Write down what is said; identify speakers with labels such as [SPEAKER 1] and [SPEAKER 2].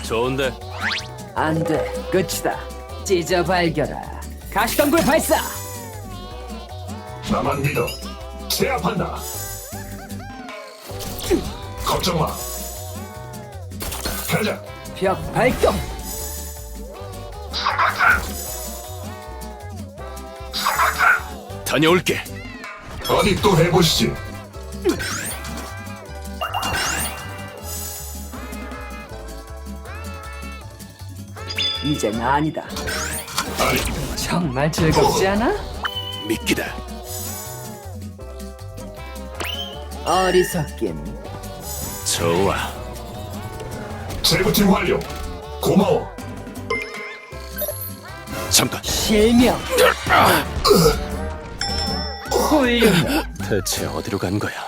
[SPEAKER 1] 좋은데.
[SPEAKER 2] 안 돼, 끝이다. 찢어 발견아. 가시덤굴 발사.
[SPEAKER 3] 나만 믿어. 제압한다. 걱정 마. 가자.
[SPEAKER 2] 벽 발동.
[SPEAKER 1] 다녀올게.
[SPEAKER 3] 어디 또 해보시지.
[SPEAKER 2] 이젠 아니다.
[SPEAKER 3] 아니,
[SPEAKER 2] 정말 즐겁지 않아?
[SPEAKER 1] 미끼다.
[SPEAKER 2] 어리석긴.
[SPEAKER 1] 좋아.
[SPEAKER 3] 재부팅 완료. 고마워.
[SPEAKER 1] 잠깐.
[SPEAKER 2] 실명. 훌륭해.
[SPEAKER 1] 대체 어디로 간 거야?